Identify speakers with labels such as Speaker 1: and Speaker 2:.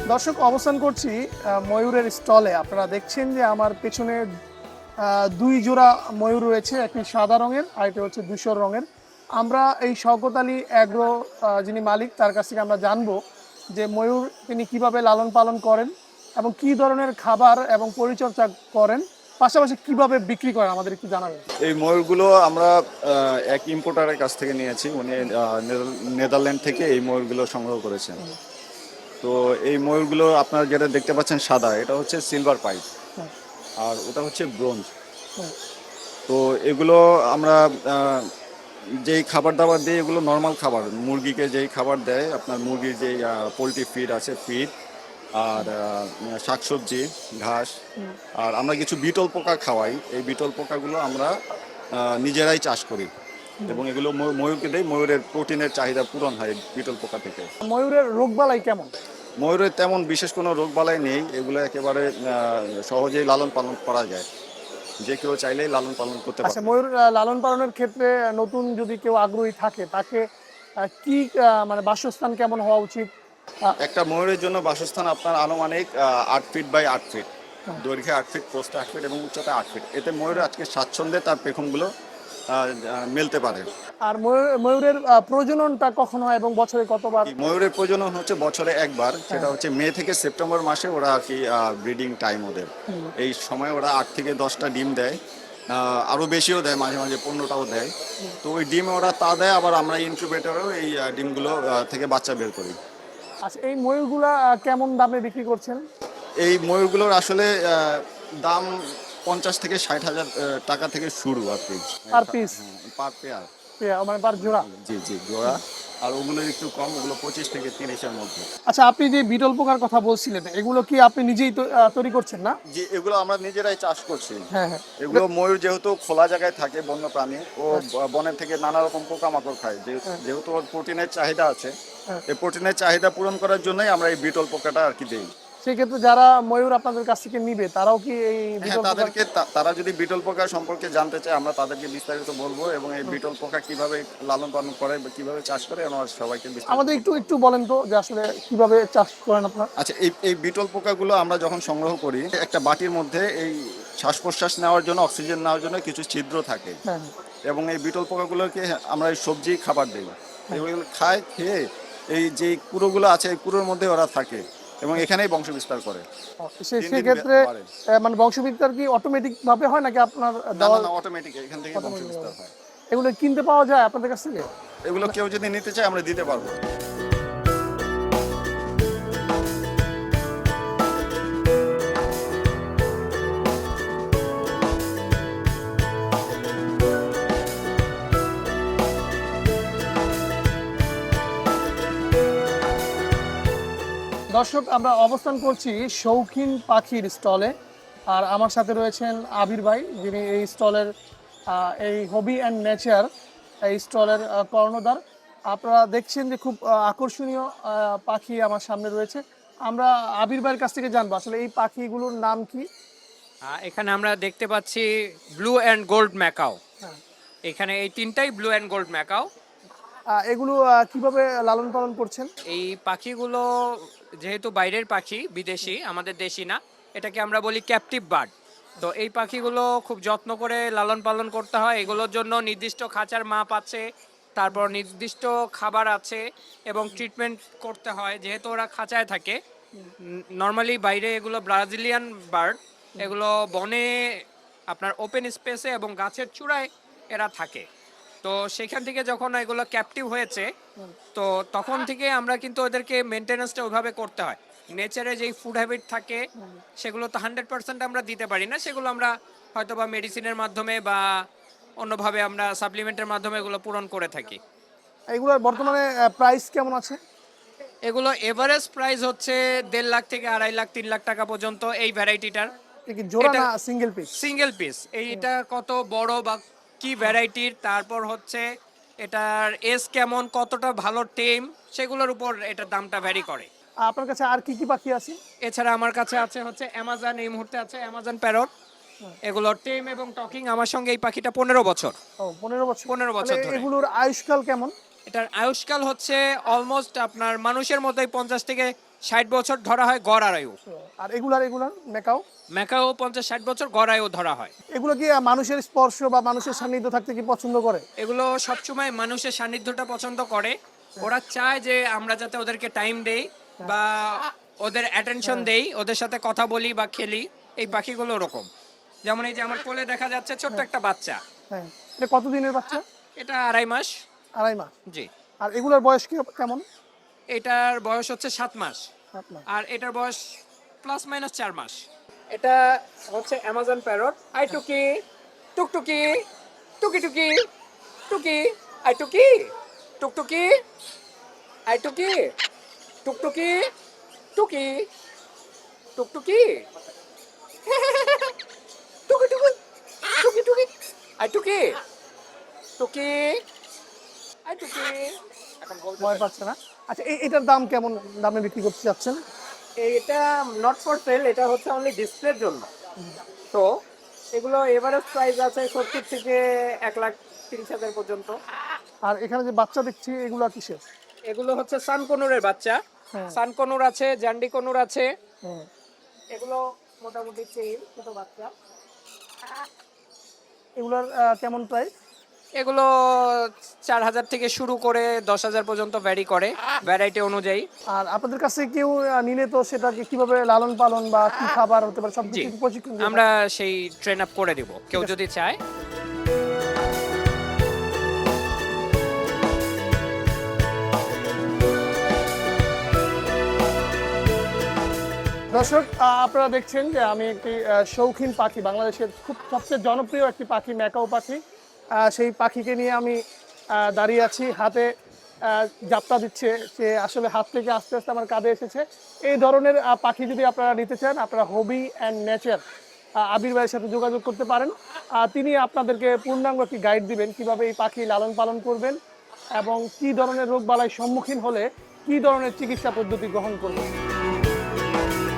Speaker 1: দর্শক, অবস্থান করছি ময়ূরের স্টলে। আপনারা দেখছেন যে আমার পেছনে দুই জোড়া ময়ূর রয়েছে, একটি সাদা রঙের আর একটি হচ্ছে ধূসর রঙের। আমরা এই শওকত আলী অ্যাগ্রো যিনি মালিক, তার কাছ থেকে আমরা জানবো যে ময়ূর তিনি কিভাবে লালন পালন করেন এবং কি ধরনের খাবার এবং পরিচর্যা করেন, পাশাপাশি কিভাবে বিক্রি করেন, আমাদের একটু জানাবেন।
Speaker 2: এই ময়ূরগুলো আমরা এক ইম্পোর্টারের কাছ থেকে নিয়েছি। উনি নেদারল্যান্ড থেকে এই ময়ূরগুলো সংগ্রহ করেছেন। তো এই ময়ূরগুলো আপনারা যেটা দেখতে পাচ্ছেন সাদা, এটা হচ্ছে সিলভার পাইপ,
Speaker 1: হুম,
Speaker 2: আর ওটা হচ্ছে ব্রোঞ্জ।
Speaker 1: হুম,
Speaker 2: তো এগুলো আমরা যেই খাবার দাবার দিই, এগুলো নর্মাল খাবার, মুরগিকে যেই খাবার দেয় আপনার, মুরগির যেই পোলট্রি ফিড আছে, ফিড আর শাকসবজি, ঘাস,
Speaker 1: হুম।
Speaker 2: আর আমরা কিছু বিটল পোকা খাওয়াই। এই বিটল পোকাগুলো আমরা নিজেরাই চাষ করি এবং এগুলো ময়ূরকে দেই। ময়ূরের প্রোটিনের চাহিদা পূরণ হয় বিটল পোকা থেকে।
Speaker 1: ময়ূরের রোগবালাই কেমন?
Speaker 2: ময়ূরের তেমন বিশেষ কোনো রোগবালাই নেই, এগুলো একেবারে সহজেই লালন পালন করা যায়, যে কেউ চাইলেই লালন পালন করতে
Speaker 1: আচ্ছা,
Speaker 2: পারে।
Speaker 1: ময়ূর লালন পালনের ক্ষেত্রে নতুন যদি কেউ আগ্রহী থাকে, তাকে কি মানে বাসস্থান কেমন হওয়া উচিত?
Speaker 2: একটা ময়ূরের জন্য বাসস্থান আপনার আনুমানিক 8 ফিট বাই 8 ফিট,
Speaker 1: হুম।
Speaker 2: দৈর্ঘ্যে 8 ফিট, প্রস্থে 8 ফিট এবং উচ্চতা 8 ফিট। এতে ময়ূর আজকে স্বাচ্ছন্দ্যে তার পেখমগুলো মেলতে পারে।
Speaker 1: আর ময়ূরের প্রজননটা কখন হয় এবং বছরে কতবার?
Speaker 2: এই ময়ূরের প্রজনন হচ্ছে বছরে একবার, সেটা
Speaker 1: হ্যাঁ।
Speaker 2: হচ্ছে মে থেকে সেপ্টেম্বর মাসে। ওরা আর কি ব্রিডিং টাইম ওদের।
Speaker 1: হুম।
Speaker 2: এই সময় ওরা 8 থেকে 10টা ডিম দেয়, আরও বেশিও দেয়, মাঝে মাঝে 15টাও দেয়। তো ওই ডিম ওরা তা দেয়, আবার আমরা ইনকিউবেটরেও এই ডিমগুলো থেকে বাচ্চা বের করি।
Speaker 1: আচ্ছা, এই ময়ূরগুলা কেমন দামে বিক্রি করছেন?
Speaker 2: এই ময়ূরগুলোর আসলে দাম 50 থেকে 60 হাজার টাকা থেকে শুরু আর কি।
Speaker 1: Per piece?
Speaker 2: Per pair.
Speaker 1: মানে পার জোড়া?
Speaker 2: জি জি, জোড়া। আর ওগুলো একটু কম, ওগুলো 25 থেকে 30-এর মধ্যে।
Speaker 1: আচ্ছা, আপনি যে বিটল পোকার কথা বলছিলেন, এগুলো কি আপনি নিজেই তৈরি করছেন না?
Speaker 2: যে এগুলো আমরা নিজেরাই চাষ করছি।
Speaker 1: হ্যাঁ, হ্যাঁ।
Speaker 2: এগুলো ময়ূর যেহেতু খোলা জায়গায় থাকে, বন্য প্রাণী, ও
Speaker 1: হ্যাঁ,
Speaker 2: বনের থেকে নানা রকম পোকামাকড় খায়।
Speaker 1: হ্যাঁ,
Speaker 2: যেহেতু ওর প্রোটিনের চাহিদা আছে,
Speaker 1: হ্যাঁ।
Speaker 2: এই প্রোটিনের চাহিদা পূরণ করার জন্যই আমরা এই বিটল পোকাটা আর কি দিই।
Speaker 1: সেক্ষেত্রে যারা ময়ূর আপনাদের কাছ থেকে নিবে, তারাও কি এই
Speaker 2: হ্যাঁ,
Speaker 1: বিটল পোকার?
Speaker 2: তারা যদি বিটল পোকা সম্পর্কে জানতে চায়, আমরা তাদেরকে বিস্তারিত বলবো, এবং এই বিটল পোকা কিভাবে লালন পালন করে বা কিভাবে চাষ করে আমরা সবাইকে বিস্তারিত
Speaker 1: আমাদের একটু
Speaker 2: বলবো।
Speaker 1: একটু বলেন তো যে আসলে কিভাবে চাষ করেন আপনারা?
Speaker 2: আচ্ছা, এই এই বিটল পোকাগুলো আমরা যখন সংগ্রহ করি, একটা বাটির মধ্যে এই শ্বাস প্রশ্বাস নেওয়ার জন্য, অক্সিজেন নেওয়ার জন্য কিছু ছিদ্র থাকে,
Speaker 1: হ্যাঁ,
Speaker 2: এবং এই বিটল পোকাগুলোকে আমরা এই সবজি খাবার দিই। এগুলো খায়, খেয়ে এই যে কুড়োগুলো আছে, এই কুড়োর মধ্যে ওরা থাকে এবং এখানেই বংশ বিস্তার করে। দিন দিন
Speaker 1: সেক্ষেত্রে
Speaker 2: বাড়ে।
Speaker 1: মানে বংশবিস্তার কি অটোমেটিক ভাবে হয় নাকি আপনার
Speaker 2: না
Speaker 1: দেওয়া?
Speaker 2: না না, অটোমেটিক এখান থেকে বংশ
Speaker 1: automatic
Speaker 2: বিস্তার
Speaker 1: ভাবে?
Speaker 2: হয়।
Speaker 1: এগুলো কিনতে পাওয়া যায় আপনাদের কাছ থেকে?
Speaker 2: এগুলো কেউ যদি নিতে চায় আমরা দিতে পারবো।
Speaker 1: দর্শক, আমরা অবস্থান করছি শৌখিন পাখির স্টলে। আর আমার সাথে রয়েছেন আবির ভাই, যিনি এই স্টলের এই হবি অ্যান্ড নেচার এই স্টলের কর্ণধার। আপনারা দেখছেন যে খুব আকর্ষণীয় পাখি আমার সামনে রয়েছে। আমরা আবির ভাইয়ের কাছ থেকে জানবো আসলে এই পাখিগুলোর নাম কি।
Speaker 3: এখানে আমরা দেখতে পাচ্ছি ব্লু অ্যান্ড গোল্ড ম্যাকাও।
Speaker 1: হ্যাঁ।
Speaker 3: এখানে এই তিনটাই ব্লু অ্যান্ড গোল্ড ম্যাকাও।
Speaker 1: এগুলো কিভাবে লালন পালন করছেন?
Speaker 3: এই পাখিগুলো যেহেতু বাইরের পাখি, বিদেশি, আমাদের দেশি না, এটাকে আমরা বলি ক্যাপটিভ বার্ড। তো এই পাখিগুলো খুব যত্ন করে লালন পালন করতে হয়। এগুলোর জন্য নির্দিষ্ট খাঁচার মাপ আছে, তারপর নির্দিষ্ট খাবার আছে এবং ট্রিটমেন্ট করতে হয় যেহেতু ওরা খাঁচায় থাকে। নর্মালি বাইরে এগুলো ব্রাজিলিয়ান বার্ড, এগুলো বনে আপনার ওপেন স্পেসে এবং গাছের চূড়ায় এরা থাকে। তো সেখান থেকে যখন এগুলো ক্যাপটিভ হয়েছে, তো তখন থেকে আমরা কিন্তু ওদেরকে মেনটেন্যান্সটা ওইভাবে করতে হয়। নেচারে যেই ফুড হ্যাবিট থাকে সেগুলো তো 100% আমরা দিতে পারি না, সেগুলো আমরা হয়তো বা মেডিসিনের মাধ্যমে বা অন্যভাবে আমরা সাপ্লিমেন্টের মাধ্যমে এগুলো পূরণ করে থাকি।
Speaker 1: এগুলোর বর্তমানে প্রাইস কেমন আছে?
Speaker 3: এগুলো এভারেজ প্রাইস হচ্ছে 1.5 লাখ থেকে 2.5 লাখ 3 লাখ টাকা পর্যন্ত এই ভ্যারাইটিটার।
Speaker 1: এ কি জোড়া
Speaker 3: এটা
Speaker 1: না সিঙ্গেল পিস?
Speaker 3: Single piece. এইটা কত বড় বা কি ভ্যারাইটির, তারপর হচ্ছে এটার এজ কেমন, কতটা ভালো টেম, সেগুলোর উপর এটার দামটা ভ্যারি করে।
Speaker 1: আপনার কাছে আর কি কি পাখি আছে?
Speaker 3: এছাড়া আমার কাছে আছে হচ্ছে অ্যামাজন, এই মুহূর্তে আছে অ্যামাজন প্যারট। এগুলো টেম এবং টকিং। আমার সঙ্গে এই পাখিটা 15 বছর।
Speaker 1: ও, 15 বছর।
Speaker 3: 15 বছর
Speaker 1: তাহলে
Speaker 3: ধরে।
Speaker 1: এগুলোর আয়ুষ্কাল কেমন?
Speaker 3: এটার আয়ুষ্কাল হচ্ছে অলমোস্ট আপনার মানুষের মতোই 50 থেকে 60 বছর ধরা হয় গড় আয়ু।
Speaker 1: আর এগুলার মেকাও
Speaker 3: ম্যাকাও 50-60 বছর গড় আয়ু ধরা হয়।
Speaker 1: এগুলো কি মানুষের স্পর্শ বা মানুষের সান্নিধ্য থাকতে কি পছন্দ করে?
Speaker 3: এগুলো সবসময় মানুষের সান্নিধ্যটা পছন্দ করে। ওরা চায় যে আমরা যাতে ওদেরকে টাইম দেই বা ওদের অ্যাটেনশন দেই, ওদের সাথে কথা বলি বা খেলি। এই পাখিগুলো ওরকম। যেমন এই যে আমার কোলে দেখা যাচ্ছে ছোট্ট একটা বাচ্চা।
Speaker 1: হ্যাঁ, এটা কত দিনের বাচ্চা?
Speaker 3: এটা 2.5 মাস।
Speaker 1: 2.5 মাস।
Speaker 3: জি।
Speaker 1: আর এগুলোর বয়স কেমন?
Speaker 3: এটার বয়স হচ্ছে 7 মাস।
Speaker 1: 7 মাস।
Speaker 3: আর এটার বয়স প্লাস মাইনাস 4 মাস। এটা হচ্ছে অ্যামাজন প্যারট। আই টুকি, টুকটুকি, টুকি টুকি, টুকি, আই টুকি, টুকটুকি, আই টুকি, টুকটুকি, টুকি, টুকটুকি, টুকি টুকি, টুকি টুকি, আই টুকি, টুকি, আই টুকি। এখন বলতে
Speaker 1: ভয় পাচ্ছে না? আচ্ছা, এটার দাম কেমন দামে বিক্রি করতে চাচ্ছেন?
Speaker 3: এটা নট ফর সেল, এটা হচ্ছে অনলি ডিসপ্লের জন্য। তো এগুলো এভারেজ প্রাইস আছে 70 থেকে 1,30,000 পর্যন্ত।
Speaker 1: আর এখানে যে বাচ্চা দেখছি এগুলো কিসের?
Speaker 3: এগুলো হচ্ছে সানকনুরের বাচ্চা।
Speaker 1: হ্যাঁ।
Speaker 3: সানকনুর আছে, জান্ডি কনুর আছে।
Speaker 1: হুম।
Speaker 3: এগুলো মোটামুটি চেইন ছোট বাচ্চা।
Speaker 1: এগুলোর কেমন প্রাইস?
Speaker 3: এগুলো 4,000 থেকে শুরু করে 10,000 পর্যন্ত ভ্যারি করে ভ্যারাইটি অনুযায়ী।
Speaker 1: আর আপনাদের কাছে কেউ নিলে তো সেটাকে কিভাবে লালন পালন বা কি খাবার হতে পারে সব
Speaker 3: জি,
Speaker 1: কিছু প্রশিক্ষণ দিয়ে
Speaker 3: আমরা সেই ট্রেন আপ করে দিব কেউ যদি চায়।
Speaker 1: দর্শক, আপনারা দেখছেন যে আমি একটি শৌখিন পাখি, বাংলাদেশের খুব সবচেয়ে জনপ্রিয় একটি পাখি ম্যাকাও পাখি, সেই পাখিকে নিয়ে আমি দাঁড়িয়ে আছি। হাতে যাত্রা দিচ্ছে, সে আসলে হাত থেকে আস্তে আস্তে আমার কাঁধে এসেছে। এই ধরনের পাখি যদি আপনারা নিতে চান, আপনারা হবি অ্যান্ড নেচার আবির ভাইয়ের সাথে যোগাযোগ করতে পারেন। তিনি আপনাদেরকে পূর্ণাঙ্গ একটি গাইড দিবেন কিভাবে এই পাখি লালন পালন করবেন এবং কী ধরনের রোগবালাইয়ের সম্মুখীন হলে কী ধরনের চিকিৎসা পদ্ধতি গ্রহণ করবেন।